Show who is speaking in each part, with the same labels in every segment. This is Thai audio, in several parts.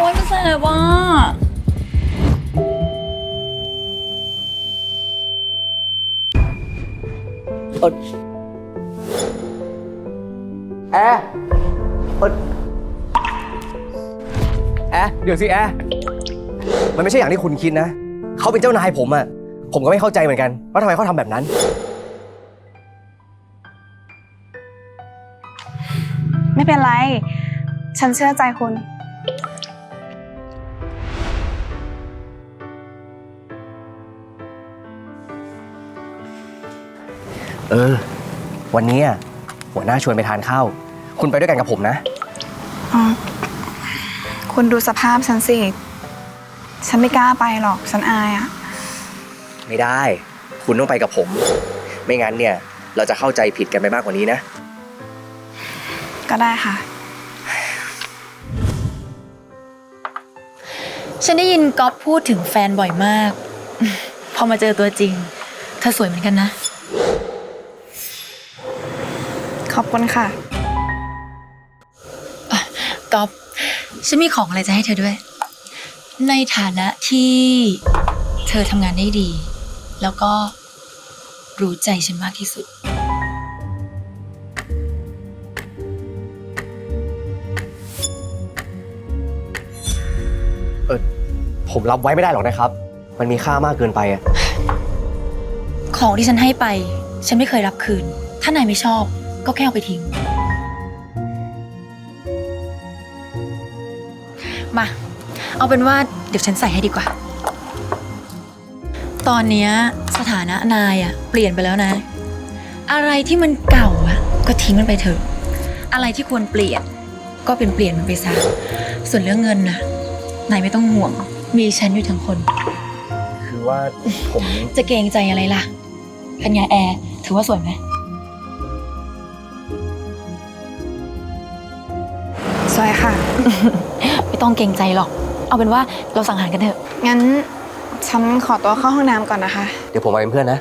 Speaker 1: อ้ยมันแสบว่ะ
Speaker 2: แอร์เดี๋ยวสิแอร์มันไม่ใช่อย่างที่คุณคิดนะเขาเป็นเจ้านายผมอะผมก็ไม่เข้าใจเหมือนกันว่าทำไมเขาทำแบบนั้น
Speaker 3: ไม่เป็นไร ฉันเชื่อใจคุณ
Speaker 2: วันนี้หัวหน้าชวนไปทานข้าวคุณไปด้วยกันกับผมนะ
Speaker 3: คุณดูสภาพฉันสิ ฉันไม่กล้าไปหรอก ฉันอายอะ
Speaker 2: ไม่ได้ คุณต้องไปกับผม ไม่งั้นเนี่ยเราจะเข้าใจผิดกันไปมากกว่านี้นะ
Speaker 3: ก็ได้ค่ะ
Speaker 1: ฉันได้ยินก๊อฟพูดถึงแฟนบ่อยมาก พอมาเจอตัวจริงเธอสวยเหมือนกันนะ
Speaker 3: ขอบคุณค่ะ
Speaker 1: ก๊อฟฉันมีของอะไรจะให้เธอด้วย ในฐานะที่เธอทำงานได้ดี แล้วก็รู้ใจฉันมากที่สุด
Speaker 2: ผมรับไว้ไม่ได้หรอกนะครับ มันมีค่ามากเกินไปอะ
Speaker 1: ของที่ฉันให้ไป ฉันไม่เคยรับคืน ถ้านายไม่ชอบก็แค่เอาไปทิ้ง มา เอาเป็นว่าเดี๋ยวฉันใส่ให้ดีกว่า ตอนเนี้ยสถานะนายอะเปลี่ยนไปแล้วนะ อะไรที่มันเก่าอะก็ทิ้งมันไปเถอะ อะไรที่ควรเปลี่ยนก็เป็นเปลี่ยนมันไปซะ ส่วนเรื่องเงินน่ะนายไม่ต้องห่วง มีฉันอยู่ทั้งคน
Speaker 2: คือว่าผม
Speaker 1: จะเกรงใจอะไรล่ะเป็นไงแอร์ถือว่าสวยไหม
Speaker 3: สวยค่ะ
Speaker 1: ไม่ต้องเกรงใจหรอก เอาเป็นว่าเราสั่งอาหารกันเถอะ
Speaker 3: งั้นฉันขอตัวเข้าห้องน้ำก่อนนะคะ
Speaker 2: เดี๋ยวผมมาเป็นเพื่อนนะ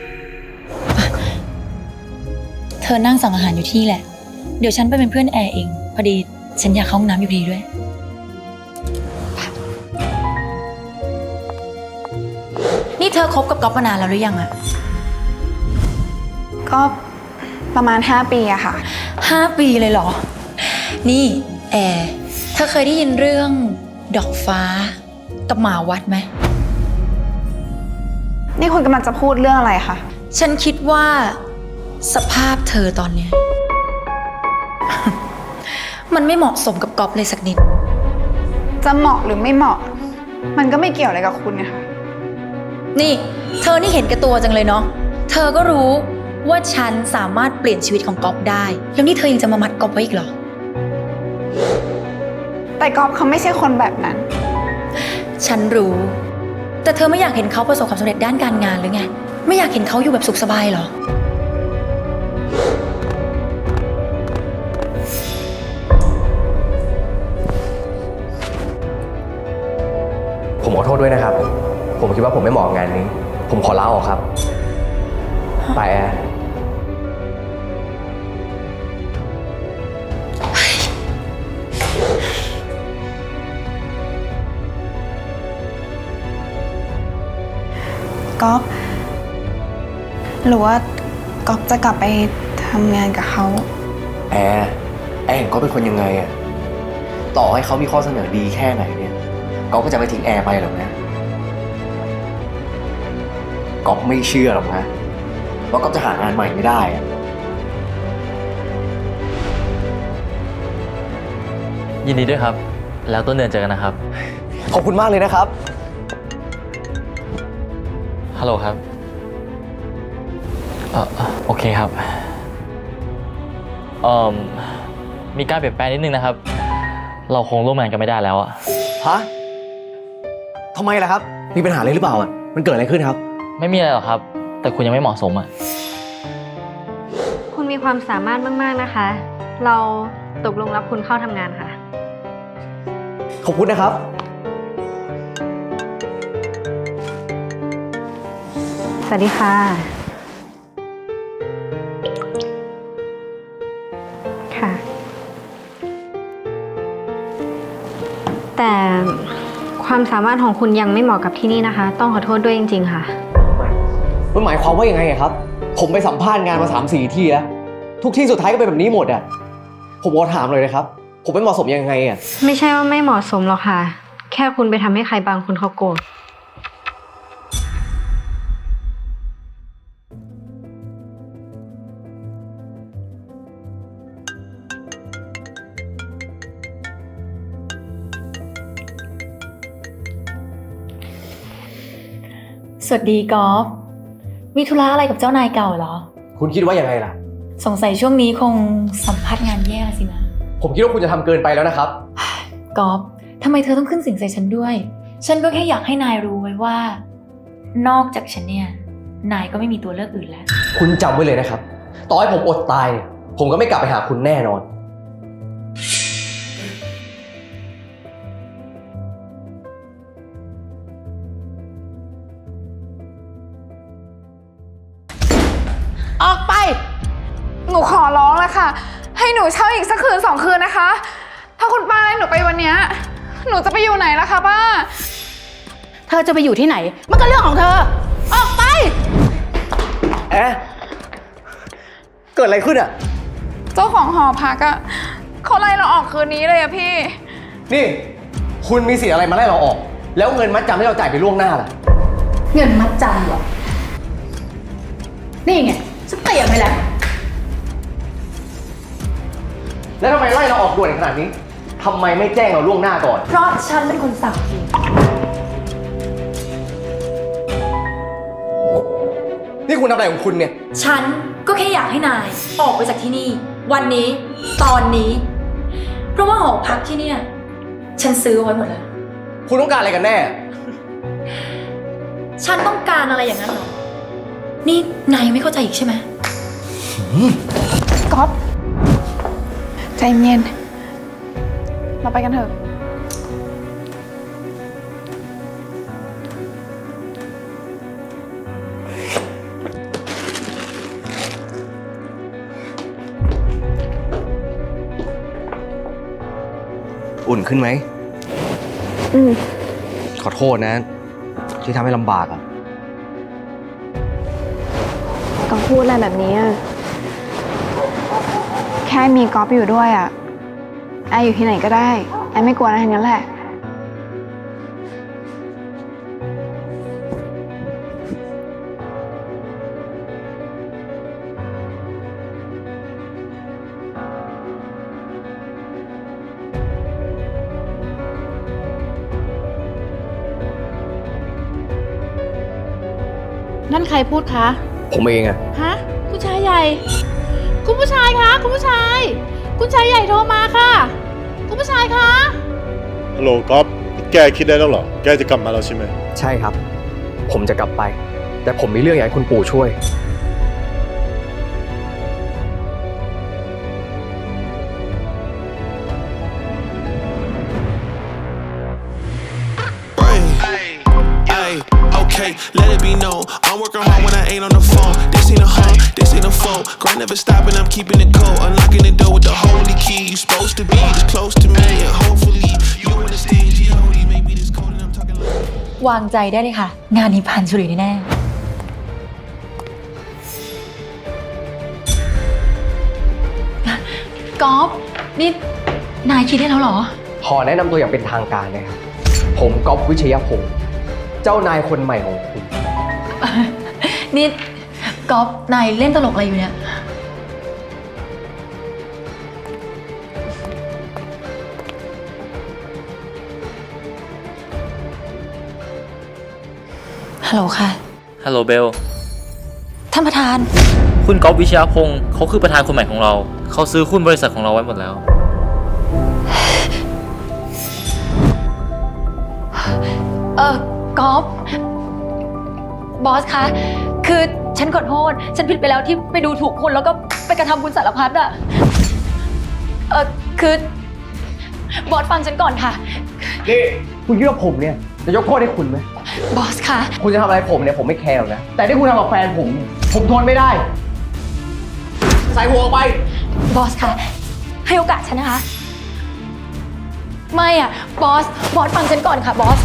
Speaker 1: เธอนั่งสั่งอาหารอยู่ที่แหละ เดี๋ยวฉันไปเป็นเพื่อนแอร์เอง พอดีฉันอยากเข้าห้องน้ำอยู่พอดีด้วย นี่เธอคบกับก๊อฟมานานแล้วหรือยังอะ
Speaker 3: ก็ประมาณ 5 ปีอะค่ะ
Speaker 1: 5 ปีเลยเหรอ นี่แอร์เธอเคยได้ยินเรื่องดอกฟ้ากับหมาวัดไหม
Speaker 3: นี่คุณกำลังจะพูดเรื่องอะไรคะ
Speaker 1: ฉันคิดว่าสภาพเธอตอนเนี้ย มันไม่เหมาะสมกับก๊อฟเลยสักนิด
Speaker 3: จะเหมาะหรือไม่เหมาะ มันก็ไม่เกี่ยวอะไรกับคุณนะคะ
Speaker 1: นี่เธอนี่เห็นแก่ตัวจังเลยเนาะ เธอก็รู้ว่าฉันสามารถเปลี่ยนชีวิตของก๊อฟได้ แล้วนี่เธอยังจะมามัดก๊อฟไว้อีกเหรอ
Speaker 3: แต่ก๊อฟเขาไม่ใช่คนแบบนั้น
Speaker 1: ฉันรู้ แต่เธอไม่อยากเห็นเขาประสบความสำเร็จด้านการงานหรือไง ไม่อยากเห็นเขาอยู่แบบสุขสบายเหรอ
Speaker 2: ผมขอโทษด้วยนะครับ ผมคิดว่าผมไม่เหมาะกับงานนี้ ผมขอลาออกครับ ไปแอร์
Speaker 3: ก๊อฟหรือว่าก๊อฟจะกลับไปทำงานกับเขา
Speaker 2: แอร์เห็นเขาเป็นคนยังไงอะต่อให้เขามีข้อเสนอดีแค่ไหนเนี่ยก๊อฟก็จะไม่ทิ้งแอร์ไปหรอกนะก๊อฟไม่เชื่อหรอกนะว่าก๊อฟจะหางานใหม่ไม่ได้อะ
Speaker 4: ยินดีด้วยครับ แล้วต้นเดือนเจอกันนะครับ
Speaker 2: ขอบคุณมากเลยนะครับ
Speaker 4: ฮัลโหลครับ โอเคครับมีการเปลี่ยนแปลงนิดนึงนะครับ เราคงร่วมงานกันไม่ได้แล้วอะ
Speaker 2: ฮะทำไมล่ะครับ มีปัญหาอะไรหรือเปล่าอ่ะ มันเกิดอะไรขึ้นครับ
Speaker 4: ไม่มีอะไรหรอกครับ แต่คุณยังไม่เหมาะสมอะ
Speaker 5: คุณมีความสามารถมากๆนะคะ เราตกลงรับคุณเข้าทำงานค่ะ
Speaker 2: ขอบคุณนะครับ
Speaker 5: สวัสดีค่ะ ค่ะแต่ความสามารถของคุณยังไม่เหมาะกับที่นี่นะคะ ต้องขอโทษด้วยจริงๆค่ะ
Speaker 2: มันหมายความว่ายังไงอะครับ ผมไปสัมภาษณ์งานมา3-4 ที่แล้ว ทุกที่สุดท้ายก็เป็นแบบนี้หมดอะผมขอถามเลยนะครับ ผมไม่เหมาะสมยังไงอะ
Speaker 5: ไม่ใช่ว่าไม่เหมาะสมหรอกค่ะ แค่คุณไปทำให้ใครบางคนเขาโกรธ
Speaker 1: สวัสดีกอล์ฟมีธุระอะไรกับเจ้านายเก่าเหรอ
Speaker 2: คุณคิดว่ายังไงล่ะ
Speaker 1: สงสัยช่วงนี้คงสัมภาษณ์งานแย่สินะ
Speaker 2: ผมคิดว่าคุณจะทำเกินไปแล้วนะครับ
Speaker 1: กอล์ฟทำไมเธอต้องขึ้นเสิ่งใส่ฉันด้วย ฉันก็แค่อยากให้นายรู้ไว้ว่า นอกจากฉันเนี่ย นายก็ไม่มีตัวเลือกอื่นแล้ว
Speaker 2: คุณจำไว้เลยนะครับ ต่อให้ผมอดตายเนี่ยผมก็ไม่กลับไปหาคุณแน่นอน
Speaker 3: ออกไป หนูขอร้องแล้วค่ะ ให้หนูเช่าอีกสักคืน2 คืนนะคะ ถ้าคุณป้าให้หนูไปวันเนี้ยหนูจะไปอยู่ไหนล่ะคะป้า
Speaker 6: เธอจะไปอยู่ที่ไหน มันก็เรื่องของเธอ ออกไป
Speaker 2: แอะเกิดอะไรขึ้นอะ
Speaker 3: เจ้าของหอพักอะเขาไล่เราออกคืนนี้เลยอะพี่
Speaker 2: นี่ คุณมีสิทธิ์อะไรมาไล่เราออก แล้วเงินมัดจำที่เราจ่ายไปล่วงหน้าล่ะ
Speaker 6: เงินมัดจำเหรอ นี่ไงฉันเตรียมไว้แล้ว
Speaker 2: แล้วทำไมไล่เราออกด่วนขนาดนี้ทำไมไม่แจ้งเราล่วงหน้าก่อน
Speaker 1: เพราะฉันเป็นคนสั่งเอง
Speaker 2: นี่คุณทำอะไรของคุณเนี่ย
Speaker 1: ฉันก็แค่อยากให้นายออกไปจากที่นี่ วันนี้ตอนนี้ เพราะว่าหอพักที่เนี่ย ฉันซื้อไว้หมดแล้ว
Speaker 2: คุณต้องการอะไรกันแน่
Speaker 1: ฉันต้องการอะไรอย่างนั้นเหรอ นี่นายยังไม่เข้าใจอีกใช่ไหม
Speaker 3: ก๊อฟใจเย็น เราไปกันเถอะ
Speaker 2: อุ่นขึ้นไหม
Speaker 3: อืม
Speaker 2: ขอโทษนะ ที่ทำให้ลำบากอะ
Speaker 3: ก๊อฟพูดอะไรแบบนี้อะแค่มีก๊อฟอยู่ด้วยอะแอร์อยู่ที่ไหนก็ได้ แอร์ไม่กลัวอะไรทั้งนั้นแหละ
Speaker 6: นั่นใครพูดคะ
Speaker 2: ผมเองอะ
Speaker 6: ฮะ คุณชายใหญ่ คุณผู้ชายคะ คุณผู้ชาย คุณชายใหญ่โทรมาค่ะ คุณผู้ชายคะ
Speaker 7: ฮัลโหลก๊อฟแกคิดได้แล้วเหรอ แกจะกลับมาแล้วใช่ไหม
Speaker 2: ใช่ครับ ผมจะกลับไป แต่ผมมีเรื่องอยากให้คุณปู่ช่วย
Speaker 8: Ay, okay, let it be known. I'm working hard when I ain't on the phone. This ain't a home, this ain't a phone. Grind never stopping, I'm keeping it cold. Unlocking the door with the holy key. You supposed to be this close to me, and hopefully you understand. G.O.D. maybe this cold and I'm talking like.
Speaker 1: วางใจได้เลยค่ะ งานนี้ผ่านฉลุยแน่ๆกอล์ฟนี่นายคิดได้แล้วเหรอ
Speaker 2: ขอแนะนำตัวอย่างเป็นทางการนะครับ ผมก๊อฟวิชยพงศ์เจ้านายคนใหม่ของคุณ
Speaker 1: นี่กอล์ฟนายเล่นตลกอะไรอยู่เนี่ย ฮัลโหลค่ะ
Speaker 4: ฮัลโหลเบล
Speaker 1: ท่านประธาน
Speaker 4: คุณก๊อฟวิชยพงศ์เขาคือประธานคนใหม่ของเรา เขาซื้อหุ้นบริษัทของเราไว้หมดแล้ว
Speaker 1: กอล์ฟบอสคะ คือฉันขอโทษ ฉันผิดไปแล้วที่ไปดูถูกคุณแล้วก็ไปกระทำคุณสารพัดอะคือบอสฟังฉันก่อนค่ะ
Speaker 2: นี่ คุณคิดว่าผมเนี่ยจะยกโทษให้คุณไหม
Speaker 1: บอสคะ
Speaker 2: คุณจะทำอะไรผมเนี่ยผมไม่แคร์หรอกนะ แต่ที่คุณทำกับแฟนผมเนี่ยผมทนไม่ได้ ใส่หัวออกไป
Speaker 1: บอสคะ ให้โอกาสฉันนะคะไม่อะบอสฟังฉันก่อนค่ะบอส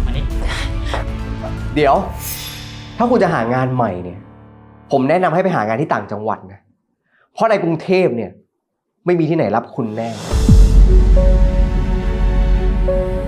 Speaker 2: เดี๋ยว ถ้าคุณจะหางานใหม่เนี่ย ผมแนะนำให้ไปหางานที่ต่างจังหวัดนะ เพราะในกรุงเทพเนี่ย ไม่มีที่ไหนรับคุณแน่